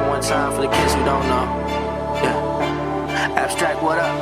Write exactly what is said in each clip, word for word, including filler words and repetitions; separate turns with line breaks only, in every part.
one time for the kids who don't know. Yeah. Abstract, what up?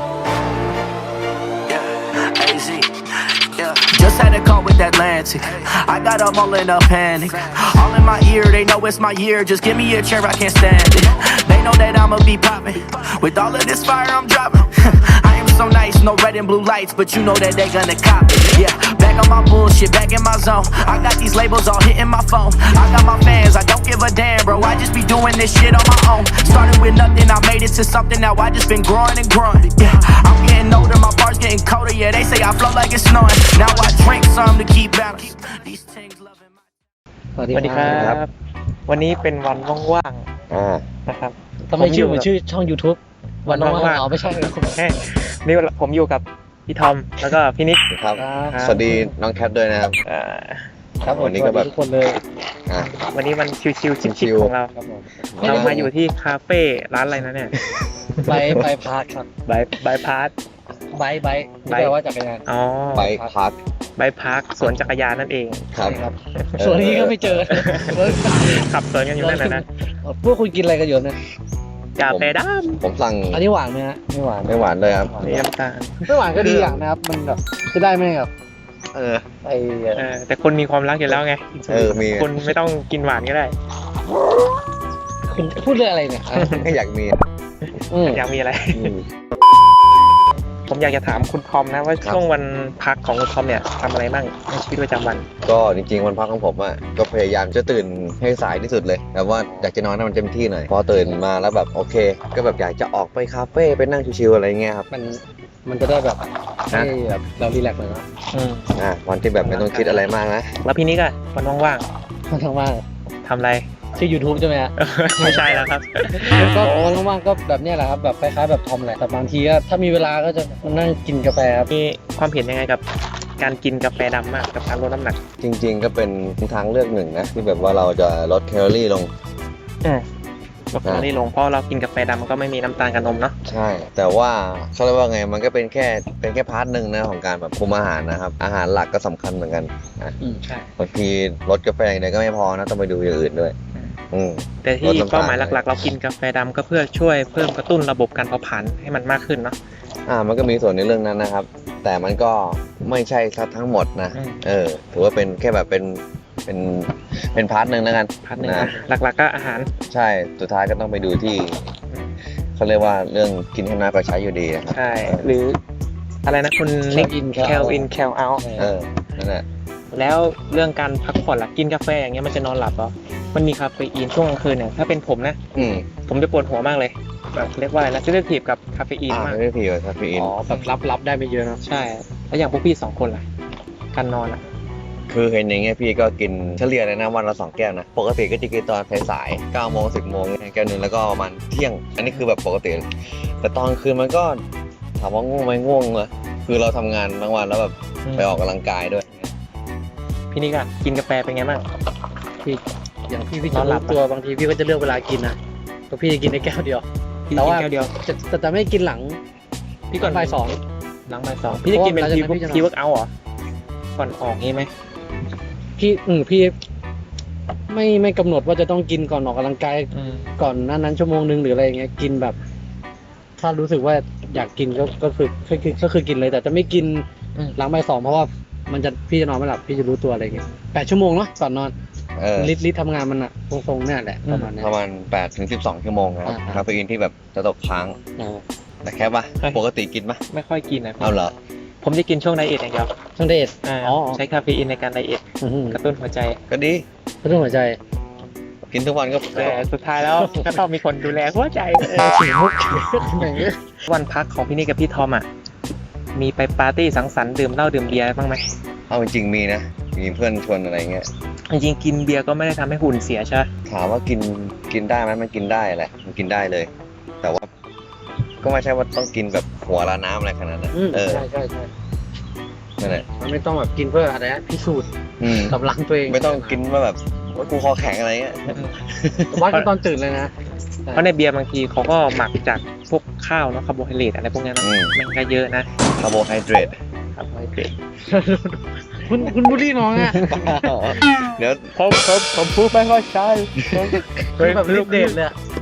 Yeah. A Z. Yeah. Just had a call with Atlantic. I got them all in a panic. All in my ear, they know it's my year. Just give me a chair, I can't stand it. They know that I'ma be popping. With all of this fire, I'm dropping. I am so nice, no red and blue lights, but you know that they gonna cop it. Yeah, back on my bullshit, back in my zone. I got these labels all hitting my phone. I got my fans, I don't give a damn, bro. I just be doing this shit on my own. Started with nothing, I made it to something. Now I just been growing and growing. Yeah, I'm getting older, my bars getting colder. Yeah, they say I flow like it's snowing. Now I drink some to keep balance. These things loving my.
สวัสดีครับ วันนี้เป็นวันว่าง
อ่า
ๆนะครับ
ทำไมชื่อเหมือนชื่อช่อง YouTube วันว่างๆอ๋อไม่ใช่
แค่นี่ผมอยู่กับพี่ทอมแล้วก็พี่นิก
ครับ
ครับ
สวัสดีน้องแคทด้วยนะครับ
เอ่อ
ครับผม
วันนี้ก็แบบ
ทุกคนเลย
อ่า
วันนี้มันชิวๆชิ
ชิ
คว
ๆ
ๆของเรา
ครับผม
เรามาอยู่ที่คาเฟ่ร้านอะไรนะเนี่ย
ไบไบพาร์ทครับ
บายบายพาร์ท
ไบไบ
ไบ
แปลว่าจักรยาน
อ๋อ
ไปพัก
บายพาร์คสวนจักรยานนั่นเอง
ครับ
ครับส่วนนี้ก็ไม่เจอ
ขับสวนกันอยู่นั่นนะนะ
พวกคุณกินอะไรกันอยู่เนี่ย
กาแฟด
ผมสั่ง
อันนี้หวานไหมฮะไม่หวาน
ไม่หวานเลยครับ
ำมีน้ำตาล
ไม่หวานก็ดีอย่างนะครับมันแบบจะได้ไหมครับ
เออ
ไอ้
เออแต่คนมีความรักอยู่แล้วไง
เออมี
คนไม่ต้องกินหวานก็ได้
คุณพูดเรื่องอะไรเนี่ยอ่ะ
ไม่อยากมี
อืม
อยากมีอะไร
อืม
ผมอยากจะถามคุณทอมนะว่า
ครับ
ช่วงวันพักของคุณทอมเนี่ยทำอะไรบ้างในชีวิตประจำวัน
ก็จริงๆวันพักของผมอ่ะก็พยายามจะตื่นให้สายที่สุดเลยแบบว่าอยากจะนอนให้มันเต็มที่หน่อยพอตื่นมาแล้วแบบโอเค ก็แบบอยากจะออกไปคาเฟ่ไปนั่งชิวๆอะไรเงี้ยครับ
มันมันจะได้แบบให้แบบเรารีแลกซ์หน่อยเนาะ
อืม
อ่าวันที่แบบไม่ต้องคิดอะไรมากนะ
แล้วพี่นิกอะวันว่าง
มันทั้งว่าง
ๆทำอะไร
ชื่อ YouTube ใช่ไหมฮะ
ไม่ใช่แล้วครับ
ก็วันว่างๆก็แบบเนี้ยแหละครับแบบคล้ายๆแบบทอมแหละแต่บางทีก็ถ้ามีเวลาก็จะมานั่งกินกาแฟครับ
มีความเห็นยังไงกับการกินกาแฟดำมากกับการลดน้ำหนัก
จริง ๆ ก็เป็นทางเลือกหนึ่งนะที่แบบว่าเราจะลดแคลอรี่ลง
อืมลดแคลอรี่ลงเพราะเรากินกาแฟดำมันก็ไม่มีน้ำตาลกับนมเนาะ
ใช่ แต่ว่าเขาเรียกว่าไงมันก็เป็นแค่เป็นแค่พาร์ทหนึ่งนะของการแบบคุมอาหารนะครับอาหารหลักก็สำคัญเหมือนกันนะ
อืมใช่
บางทีลดกาแฟอย่างเดียวก็ไม่พอนะต้องไปดูอย่างอื่นด้วยอืม
แต่ที่เป้าหมายหลักๆ เรากินกาแฟดำก็เพื่อช่วยเพิ่มกระตุ้นระบบการเผาผลาญให้มันมากขึ้นเนาะ
อ่ามันก็มีส่วนในเรื่องนั้นนะครับ แต่มันก็ไม่ใช่ซะทั้งหมดนะ
อืม
เออถือว่าเป็นแค่แบบเป็นเป็นเป็นพาร์ทหนึ่งแล้วกัน
พัดหนึ่ง
นะ
นะหลักๆก็อาหาร
ใช่สุดท้ายก็ต้องไปดูที่เขาเรียกว่าเรื่องกินให้น้อยกว่าใช้อยู่ดีนะครับ
ใช่หรืออะไรนะคุณนิก
Count in
แคลอินแคลเอา
เออนั่นแหละ
แล้วเรื่องการพักผ่อนล่ะกินกาแฟอย่างเงี้ยมันจะนอนหลับเหรอมันมีคาเฟอีนช่วงกลางคืนเนี่ยถ้าเป็นผมนะ
อืม
ผมจะปวดหัวมากเลยแบบเรียกว่าอะไรนะเซนซิทีฟกับคาเฟอีน
อ่าม
าก
ไม่ได้ผิดคาเฟอีน
อ๋อแบบรับรับได้ไม่เยอะเนอะ
ใช่แล้วอย่างพวกพี่สองคนล่ะการนอนอ่ะ
คือเห็นอย่างเงี้ยพี่ก็กินเฉลี่ยเลยนะวันละสองแก้วนะปกติก็จะกินตอนสายๆเก้าโมงสิบโมงแก้วหนึงแล้วก็ประมาณเที่ยง อันนี้คือแบบปกติแต่ตอนคืนมันก็ถามว่าง่วงไหมง่วงเลยคือเราทำงานทั้งวันแล้วแบบไปออกกำลังกายด้วย
พี่นี่ก็กินกาแฟเป็นไงบ้าง
พี่อย่างพี่พี่
น
จะ
อนหลั
รู้
บ
ตัวบางทีพี่ก็จะเลือกเวลากินนะแต่พี่จะกินได้แก้วเดียว
พี่
แต่
กิน
ว่า
แก้วเดียว
จะแต่จะไม่กินหลัง
พี่ก่อน
บ่ายสอง
หลังบ่ายสองพี่จะกินเป็น
เพ
ที
ราะว่าหลังจากนั้นพี่จะนอน
ทีเวิร์กเอาท์เหรอก่อนออกงี้ไหม
พี่อืมพี่ไม่ไม่กำหนดว่าจะต้องกินก่อนออกกำลังกาย
อืม
ก่อนนั้นนั้นชั่วโมงนึงหรืออะไรอย่างเงี้ยกินแบบ ถ้ารู้สึกว่าอยากกินก็ก็คือก็คือก็คือกินเลย แต่จะไม่กิน
อืม
หลังบ่ายสองเพราะว่ามันจะพี่จะนอนไม่หลับพี่จะรู้ตัวอะไรอย่างเงี้ยแปดชั่วโมงเนาะก่อนนอน
เออ
ลิตรลิตรทำงานมันอะทรงๆเนี่ยแหละประมาณเนี้ย
ประมาณแปดถึงสิบสองชั่วโมงนะครับ
อ่า
คาเฟอีนที่แบบจะตกค้าง
อ่า
แต่แค่ปะปกติกินปะ
ไม่ค่อยกินนะ
เอาเหรอ
ผมจะกินช่วงไดเอทอย่างเดียว
ช่างเดช
อ่า
อ๋อ
ใช้คาเฟอีนในการไดเอท
อื้อหือก
ระตุ้นหัวใจ
ก็ดี
เรื่องหัวใจ
กินทุกวันก็
แต่สุดท้ายแล้ว ก็ต้องมีคนดูแลหัวใจเออ
ถึงมุกอย่างเงี้ย
วันพักของพี่นี่กับพี่ทอมอ่ะมีไปปาร์ตี้สังสรรค์ดื่มเหล้าดื่มเบียร์บ้างไหม
เอาจริงๆมีนะมีเพื่อนชวนอะไรเงี้ย
จริงๆกินเบียร์ก็ไม่ได้ทำให้หุ่นเสียใช่ไหม
ถามว่ากินกินได้ไหมมันกินได้แหละมันกินได้เลย แต่ว่า ก็ไม่ใช่ว่าต้องกินแบบหัวละน้ำอะไรขนาดนั้น
อืม
เออ
ใช่ใช่ใช่
นั่นแหละ
มันไม่ต้องแบบกินเพื่ออะไรนะพิสูจน์
อืม
กำลังตัวเอง
ไม่ต้องกินว่าแบบว่ากูคอแข็งอะไรเงี้ย
วัดกันตอนตื่นเลยนะ
เพราะในเบียร์บางทีเขาก็หมักจากพวกข้าวเนาะคาร์โบไฮเดรตอะไรพวกนี้นะ
อืม
มันก็เยอะนะ
คาร์โบไฮเดรต
คาร์โบไฮเดรต
คุณคุณบูลลี่น้องอะ
เดี๋ยว
ผมผมผมพูดไม่ค่อยใช่
คือแบบรีบเดทเลยอะ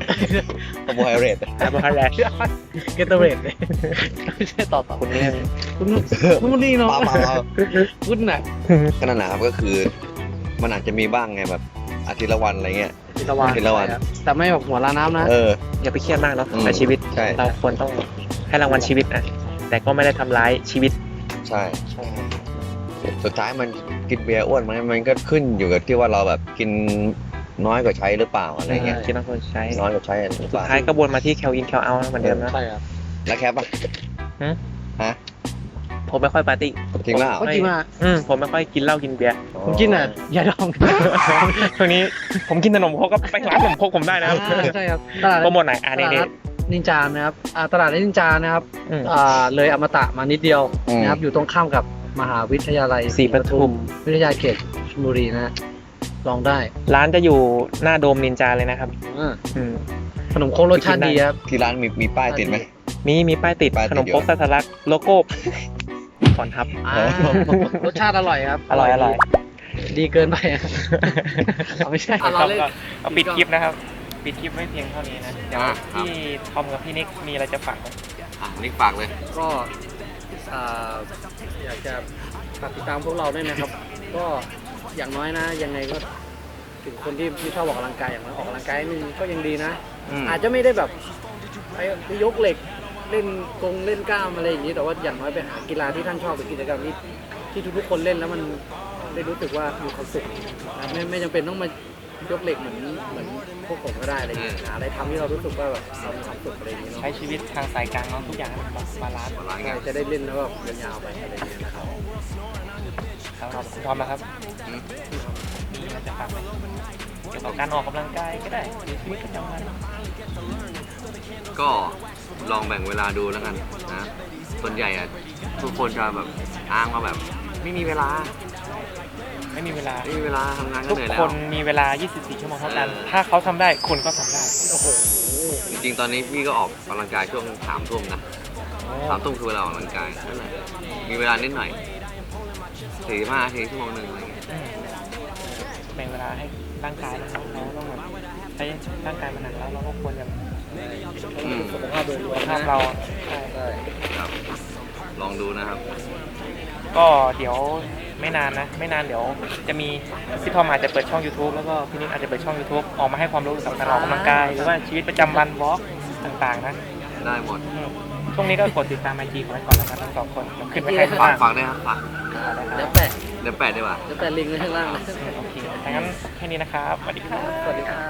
คาร์โบไฮเดรต
คาร์โบไฮเดรต
เกตเตอร์เรดเลยไม่ใช่ต่อต่อ
คุณนี่
คุณคุณนี่เนาะ
เปล่าเปล่าเปล่า
คุณน่ะ
ก็นั่นแหละครับก็คือ มันอาจจะมีบ้างไงแบบอาทิตย์ละวันอะไรเงี้ย
พิละวัน
พิละวัน
แต่ไม่แบบหัวลาน้ำนะ
เออ
อย่าไปเครียดมากเนาะ
อืม
ในชีวิต
ใช่
เราควรต้องให้รางวัลชีวิตนะแต่ก็ไม่ได้ทำร้ายชีวิต
ใช่ สุดท้ายมันกินเบียร์อ้วนไหมมันก็ขึ้นอยู่กับที่ว่าเราแบบกินน้อยกว่าใช้หรือเปล่าอะไรเงี้ย
คิดว่าควรใช้
น้อยกว่าใช้หรือ
สุ
เป
ด
ล่า
ท้ายก็วนมาที่แคลอินแคลเอาเหมือนเดิมนะ
ใช่ครับ
แล้วแคปป่ะ
ฮะ
ฮะ
ผมไม่ค่อยปาร์ตี้
จริงเปล่า
ก็จริงว่า
อืมผมไม่ค่อยกินเหล้ากินเบียร์
ผมกินอ่ะยาดอง
ช่วงนี้ผมกินขนมครกก็ไปร้านขนมครกผมได้นะครับ
อ่าใช่ครับตลาด
โปรโมทไหนอ่า
ต
นี่
ลาด
นี่
นัดนินจานะครับอ่าตลาดนัดนินจานะครับ
อืม
อ่าเลยอมตะมานิดเดียว
อืม
นะครับอยู่ตรงข้ามกับมหาวิทยาลัย
ศรีปทุม
วิทยาเขตชลบุรีนะฮะลองได้
ร้านจะอยู่หน้าโดมนินจาเลยนะครับ
อ่า
อืม
ขนมโคกรสชาติดีครับ
ที่ร้านมีมีป้ายติดไหม
มีมีป้ายติด
ป้ายติด
ขนมครก
อยู่
สัตลักษณ์โลโก้ขอนทับ
อ่ารสชาติอร่อยครับ
อร่อยอร่อย
ดีเกินไปอะเอาไม่ใช่
ครับ
เราเล่น
ก็เอาปิดคลิปนะครับ ปิดคลิปไม่เพียงเท่านี้นะ เดี๋ยว
อ่ะครับ
พี่ทอมกับพี่นิกมีอะไรจะฝากไหม
อ่ะนิกฝากเลย
ก็อ่าอยากจะฝากติดตามพวกเราด้วยนะครับ ก็อย่างน้อยนะ ยังไงก็ถึงคนที่ไม่ชอบออกกำลังกายอย่างน้อยออกกำลังกายนิดนึงก็ยังดีนะ
อืม
อาจจะไม่ได้แบบไปไปยกเหล็กเล่นกงเล่นกล้ามอะไรอย่างนี้แต่ว่าอย่างน้อยไปหากีฬาที่ท่านชอบหรือกิจกรรมที่ที่ทุกๆคนเล่นแล้วมันได้รู้สึกว่ามีความสุขนะไม่ไม่จำเป็นต้องมายกเหล็กเหมือนเหมือนพวกผมก็ได้อะไรอย่างเงี้ยหาอะไรทำที่เรารู้สึกว่าแบบเรามีความสุขอะไรอย่างเงี้ยเนาะ
ใช้ชีวิตทางสายกลางเนาะทุกอย่างให้มันแบบบาลานซ์
ร้านไง
ใช่จะได้เล่นแล้วแบบยาวๆไปอะไรอย่างเงี้ยนะครับ
ครับคุณทอมนะครับ
อืม
มีอะไรจะฝากไหมเกี่ยวกับการออกกำลังกายก็ได้หรือชีวิตประจำวัน
ก็ลองแบ่งเวลาดูแล้วกันนะ ส่วนใหญ่อะทุกคนจะแบบอ้างว่าแบบ ไม่มีเวลา
ไม่มีเวลา
ไม่มีเวลาทำงานก็
ทุก
เหนื่อยแล้
คว นมีเวลา ยี่สิบสี่ ชั่วโมงเท่ากัน
เออ
ถ้าเขาทำได้คุณก็ทำได้
โอ้โห
จริงๆ ตอนนี้พี่ก็ออกกำลังกายช่วงสามทุ่มนะสามทุ่มคือเวลาออกกำลังกายนั่นแหละมีเวลานิดหน่อยสี่ห้านาทีชั่วโมงหนึ่งอะไรเงี้ย
อืมแบ่งเวลาให้ร่างกายเราเราต้องแบบใช้ร่างกายมันหนักแล้วเราก็ควรจะ
อืม
สุขภาพโดยรวม
ภา
นะ
พเราใช่
ใช่
ครับ ลองดูนะครับ
ก็เดี๋ยวไม่นานนะ ไม่นานเดี๋ยวจะมีพี่ทอมอาจจะเปิดช่อง YouTube แล้วก็พี่นิกอาจจะเปิดช่อง YouTube ออกมาให้ความรู้กับการออกกำลังกาย หรือว่าชีวิตประจำวันวอล์กต่างๆนะ
ได้หมด
อืมช่วงนี้ก็กดติดตามไอจีของไว้ก่อนแล้วกันทั้งสองคนเดี๋ยวขึ้นไปให้ข้าง
ฝาก
ล่าง
ฝากด้วยครับฝาก
เดี๋ยวแปะ
เดี๋ยวแปดดีกว่า
เดี๋ยวแปะลิงก์ไว้ข้างล่างนะ
โอเคดังนั้นแค่นี้นะครับสวัสดีครับ
สวัสดีครับ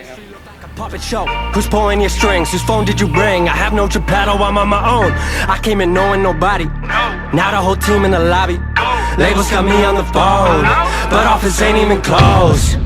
Puppet show. Who's pulling your strings? Whose phone did you bring? I have no Geppetto, I'm on my own. I came in knowing nobody. Now the whole team in the lobby. Labels got me on the phone, but office ain't even close.